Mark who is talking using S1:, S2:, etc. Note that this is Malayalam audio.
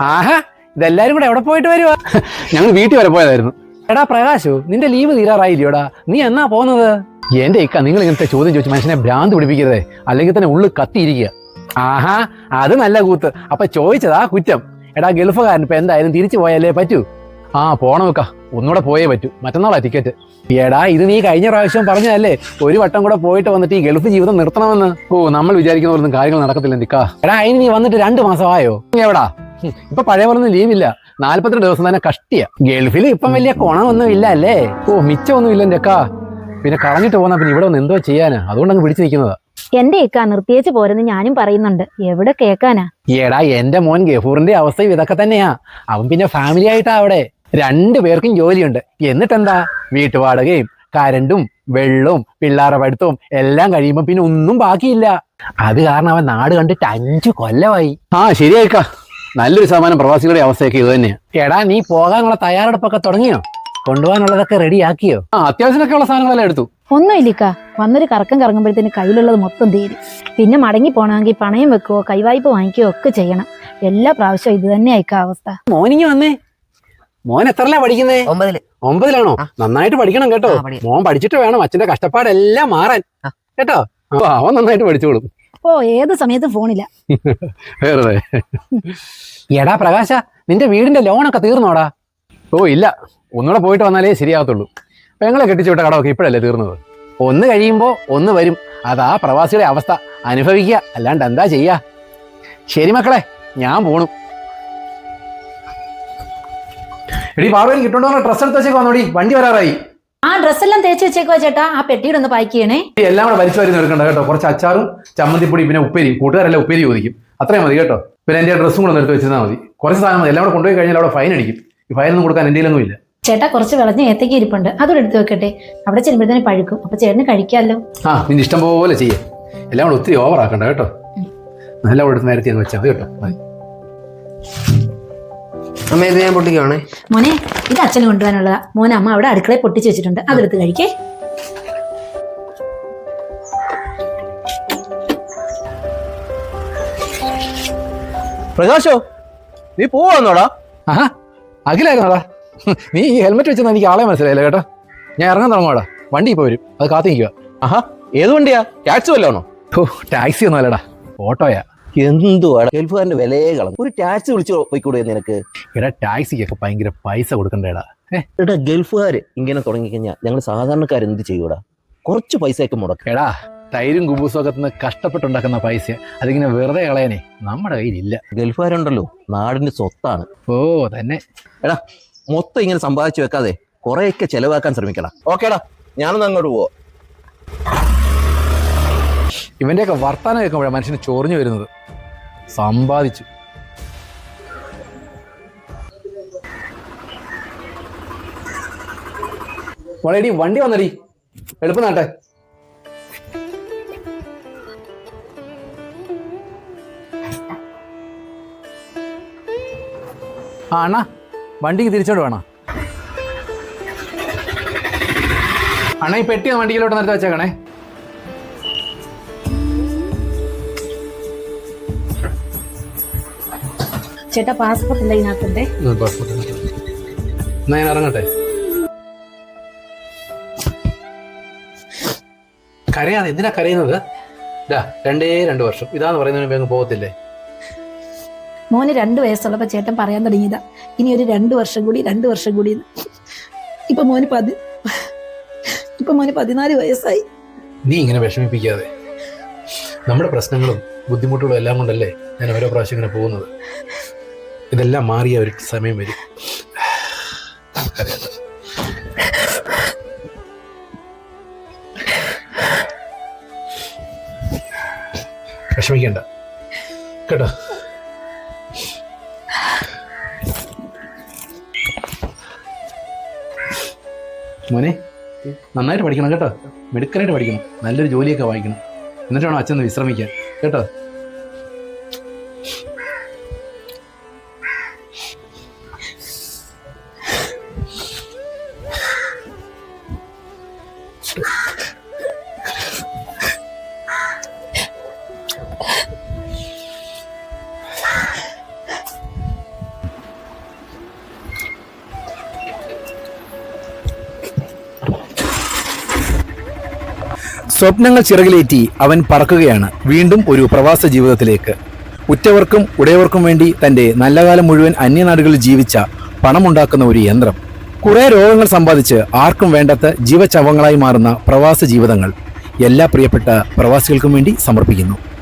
S1: ആഹാ, ഇതെല്ലാരും കൂടെ എവിടെ പോയിട്ട് വരുവാ? ഞങ്ങൾ വീട്ടിൽ വരെ പോയതായിരുന്നു. എടാ പ്രകാശു, നിന്റെ ലീവ് തീരാറായില്ലോടാ, നീ എന്നാ പോകുന്നത്? എന്റെ ഇക്ക, നിങ്ങൾ ഇങ്ങനത്തെ ചോദ്യം ചോദിച്ച് മനുഷ്യനെ ഭ്രാന്ത് പിടിപ്പിക്കരുതേ, അല്ലെങ്കിൽ തന്നെ ഉള്ളു കത്തിയിരിക്കുക. ആഹാ, അത് നല്ല കൂത്ത്. അപ്പൊ ചോദിച്ചതാ കുറ്റം. എടാ ഗൾഫുകാരൻ ഇപ്പൊ എന്തായാലും തിരിച്ചു പോയാലേ പറ്റൂ. ആ പോണം വെക്ക, ഒന്നുകൂടെ പോയേ പറ്റൂ. മറ്റന്നാളാ ടിക്കറ്റ്. എടാ ഇത് നീ കഴിഞ്ഞ പ്രാവശ്യം പറഞ്ഞതല്ലേ, ഒരു വട്ടം കൂടെ പോയിട്ട് വന്നിട്ട് ഈ ഗൾഫ് ജീവിതം നിർത്തണമെന്ന്. ഓ, നമ്മൾ വിചാരിക്കുന്ന പോലൊന്നും കാര്യങ്ങൾ നടക്കത്തില്ല നിക്കാ. എടാ അതിന് നീ വന്നിട്ട് 2 മാസമായോ? എവിടാ ഇപ്പൊ പഴയ പോലൊന്നും ലീവില്ല. 42 ദിവസം തന്നെ കഷ്ടിയ. ഗൾഫിൽ ഇപ്പം വലിയ കുണമൊന്നും ഇല്ല അല്ലേ? ഓ, മിച്ചമൊന്നും ഇല്ല എന്റെ അക്കാ. പിന്നെ കളഞ്ഞിട്ട് പോന്നാ പിന്നെ ഇവിടെ ഒന്ന് എന്തോ ചെയ്യാനാ, അതുകൊണ്ടങ്ങ് പിടിച്ചു നിൽക്കുന്നതാ.
S2: എന്റെ ഇക്ക നിർത്തിയേച്ച് പോരെന്ന് ഞാനും പറയുന്നുണ്ട്, എവിടെ കേക്കാനാ?
S1: എടാ എന്റെ മോൻ ഗഫൂറിന്റെ അവസ്ഥയും ഇതൊക്കെ തന്നെയാ. അവൻ പിന്നെ ഫാമിലി ആയിട്ടാ അവിടെ. 2 പേർക്കും ജോലിയുണ്ട്. എന്നിട്ടെന്താ, വീട്ടുവാടകയും കരണ്ടും വെള്ളവും പിള്ളേരുടെ പഠിത്തവും എല്ലാം കഴിയുമ്പോ പിന്നെ ഒന്നും ബാക്കിയില്ല. അത് കാരണം അവൻ നാട് കണ്ടിട്ട് 5 കൊല്ലമായി. ആ ശരിയായിക്കാ, നല്ലൊരു ശതമാനം പ്രവാസികളുടെ അവസ്ഥയൊക്കെ ഇത് തന്നെയാ. എടാ നീ പോകാനുള്ള തയ്യാറെടുപ്പൊക്കെ തുടങ്ങിയോ? കൊണ്ടുപോകാനുള്ളതൊക്കെ റെഡി ആക്കിയോ? ആ, അത്യാവശ്യമൊക്കെ ഉള്ള സാധനങ്ങളെല്ലാം എടുത്തു.
S2: ഒന്നുമില്ലിക്ക, വന്നൊരു കറക്കം കറങ്ങുമ്പോഴത്തേന് കയ്യിലുള്ളത് മൊത്തം തീരും. പിന്നെ മടങ്ങി പോണമെങ്കിൽ പണയം വെക്കുകയോ കൈവായ്പ വാങ്ങിക്കുകയോ ഒക്കെ ചെയ്യണം. എല്ലാ പ്രാവശ്യവും ഇത് തന്നെ ആയിക്കാ അവസ്ഥ.
S1: മോനിങ്ങി വന്നേ. മോൻ എത്രല്ല പഠിക്കുന്നേ? 9-ലാണോ? നന്നായിട്ട് പഠിക്കണം കേട്ടോ. മോൻ പഠിച്ചിട്ട് വേണം അച്ഛന്റെ കഷ്ടപ്പാടെല്ലാം മാറാൻ കേട്ടോ. അവൻ നന്നായിട്ട് പഠിച്ചോളും.
S2: ഓ, ഏത് സമയത്തും ഫോണില്ല.
S1: വേറെ എടാ പ്രകാശ, നിന്റെ വീടിന്റെ ലോണൊക്കെ തീർന്നോടാ? ഓ ഇല്ല, ഒന്നുകൂടെ പോയിട്ട് വന്നാലേ ശരിയാകത്തുള്ളൂ. പെങ്ങളെ കെട്ടിച്ചു വിട്ട കടമൊക്കെ ഇപ്പോഴല്ലേ തീർന്നത്. ഒന്ന് കഴിയുമ്പോ ഒന്ന് വരും. അതാ പ്രവാസിയുടെ അവസ്ഥ. അനുഭവിക്കുക, അല്ലാണ്ട് എന്താ ചെയ്യാ. ശരി മക്കളെ, ഞാൻ പോണു. എടി പാർവതി, കിട്ടോണ്ടോ ഡ്രസ്സ് എടുത്ത് വെച്ചേക്ക് വന്നോടി, വണ്ടി വരാറായി.
S2: ആ ഡ്രസ്സെല്ലാം തേച്ച് വെച്ചേക്കോ ചേട്ടാ. ആ പെട്ടിയുടെ ഒന്ന് പാക്ക് ചെയ്യണേ.
S1: എല്ലാം കൂടെ വലിച്ചു വരുന്ന എടുക്കണ്ട കേട്ടോ. കുറച്ച് അച്ചാറും ചമ്മന്തിപ്പൊടി പിന്നെ ഉപ്പേരി. കൂട്ടുകാരെല്ലാം ഉപ്പേരി ചോദിക്കും, അത്രയും മതി കേട്ടോ. പിന്നെ എന്റെ ഡ്രസ്സും കൂടെ എടുത്ത് വെച്ചാൽ മതി. കുറച്ച് സാധനം മതി. എല്ലാം കൂടെ കൊണ്ടുപോയി കഴിഞ്ഞാൽ അവിടെ ഫൈൻ അടിക്കും. ഈ ഫൈനൊന്നും കൊടുക്കാൻ എൻ്റെ കയ്യിലൊന്നും ഇല്ല.
S2: ചേട്ടാ കുറച്ച് വിളഞ്ഞ ഏത്തയ്ക്ക ഇരിപ്പുണ്ട്, അതോടെ എടുത്ത് വെക്കട്ടെ. അവിടെ ചെല്ലുമ്പോഴത്തേന് പഴുക്കും, അപ്പൊ ചേട്ടന് കഴിക്കാമല്ലോ.
S1: ആ, നിന്റെ ഇഷ്ടം പോലെ ചെയ്യാം. എല്ലാം കൂടെ ഒത്തിരി ഓവർ ആക്കണ്ട കേട്ടോ. എല്ലാം കൂടെ എടുത്ത് നേരത്തെ വെച്ചാൽ മതി കേട്ടോ. മതി.
S3: അമ്മ ഇത് ഞാൻ പൊട്ടിക്കുവാണേ.
S2: മോനെ, ഇത് അച്ഛന് കൊണ്ടുപോകാനുള്ളതാ. മോനെ അമ്മ അവിടെ അടുക്കളയിൽ പൊട്ടിച്ച് വെച്ചിട്ടുണ്ട്, അതെടുത്ത് കഴിക്കേ.
S3: പ്രകാശോ, നീ പോവാന്നോടാ?
S1: ആഹാ, അഖിലായിരുന്നോടാ? നീ ഈ ഹെൽമെറ്റ് വെച്ചെന്ന് എനിക്ക് ആളെ മനസ്സിലായില്ല കേട്ടോ. ഞാൻ ഇറങ്ങാൻ തുടങ്ങുവാടാ. വണ്ടി ഇപ്പോൾ വരും, അത് കാത്തു നിൽക്കുക.
S3: ആഹാ, ഏത് വണ്ടിയാ? ടാക്സി വല്ലാണോ?
S1: ഓ, ടാക്സി ഒന്നും അല്ലടാ, ഓട്ടോയാ.
S3: എന്തുവാടാ ഗൾഫുകാരന്റെ വിലയെ കളഞ്ഞു. ഒരു ടാക്സി വിളിച്ചു പോയിക്കൂടെ നിനക്ക്?
S1: എടാ ടാക്സിക്കൊക്കെ ഭയങ്കര പൈസ കൊടുക്കണ്ടേടാ.
S3: എടാ ഗൾഫുകാര് ഇങ്ങനെ തുടങ്ങിക്കഴിഞ്ഞാൽ ഞങ്ങൾ സാധാരണക്കാർ എന്ത് ചെയ്യൂടാ? കുറച്ച് പൈസയൊക്കെ മുടക്കും.
S1: എടാ തൈരും കുബൂസും ഒക്കെ തിന്ന് കഷ്ടപ്പെട്ടുണ്ടാക്കുന്ന പൈസ അതിങ്ങനെ വെറുതെ കളയാനേ നമ്മുടെ കയ്യിലില്ല.
S3: ഗൾഫുകാരുണ്ടല്ലോ, നാടിന്റെ സ്വത്താണ്.
S1: ഓ തന്നെ.
S3: എടാ മൊത്തം ഇങ്ങനെ സമ്പാദിച്ചു വെക്കാതെ കുറെയൊക്കെ ചെലവാക്കാൻ ശ്രമിക്കണം. ഓക്കേടാ, ഞാനൊന്ന് അങ്ങോട്ട് പോവാ.
S1: ഇവന്റെയൊക്കെ വർത്താനം കേൾക്കുമ്പോഴാണ് മനുഷ്യന് ചൊറിഞ്ഞു വരുന്നത്. സമ്പാദിച്ചു. വളരെടി വണ്ടി വന്നടി, എളുപ്പം നാട്ടെ. ആ അണ്ണാ, വണ്ടിക്ക് തിരിച്ചോട് വേണോ അണ്ണാ? ഈ പെട്ടി വണ്ടിയിലോട്ട് നിർത്തി വെച്ചേക്കണേ.
S2: ചേട്ടാ പാസ്പോർട്ട് ഇല്ല ഇതിനകത്തുണ്ടേ.
S1: എന്നാ ഞാൻ ഇറങ്ങട്ടെ. കരയാതെ എന്തിനാ കരയുന്നത്? 2 വർഷം ഇതാന്ന് പറയുന്നതിന് അങ്ങ് പോകത്തില്ലേ?
S2: മോന് 2 വയസ്സുള്ളപ്പോ ചേട്ടൻ പറയാൻ തുടങ്ങിയതാ, ഇനി ഒരു 2 വർഷം കൂടി 2 വർഷം കൂടി. ഇപ്പൊ മോന് 14 വയസ്സായി.
S1: നീ ഇങ്ങനെ വിഷമിപ്പിക്കാതെ. നമ്മുടെ പ്രശ്നങ്ങളും ബുദ്ധിമുട്ടുകളും എല്ലാം കൊണ്ടല്ലേ ഞാൻ ഓരോ പ്രാവശ്യം ഇങ്ങനെ പോകുന്നത്. ഇതെല്ലാം മാറിയ ഒരു സമയം വരും. വിഷമിക്കണ്ട കേട്ടോ. മോനെ നന്നായിട്ട് പഠിക്കണം കേട്ടോ. മിടുക്കനായിട്ട് പഠിക്കണം. നല്ലൊരു ജോലിയൊക്കെ വാങ്ങിക്കണം. എന്നിട്ട് വേണം അച്ഛൻ വിശ്രമിക്കാൻ കേട്ടോ. സ്വപ്നങ്ങൾ ചിറകിലേറ്റി അവൻ പറക്കുകയാണ് വീണ്ടും ഒരു പ്രവാസ ജീവിതത്തിലേക്ക്. ഉറ്റവർക്കും ഉടയവർക്കും വേണ്ടി തന്റെ നല്ല കാലം മുഴുവൻ അന്യനാടുകളിൽ ജീവിച്ച പണമുണ്ടാക്കുന്ന ഒരു യന്ത്രം. കുറെ രോഗങ്ങൾ സമ്പാദിച്ച് ആർക്കും വേണ്ടാത്ത ജീവചവങ്ങളായി മാറുന്ന പ്രവാസ ജീവിതങ്ങൾ എല്ലാ പ്രിയപ്പെട്ട പ്രവാസികൾക്കും വേണ്ടി സമർപ്പിക്കുന്നു.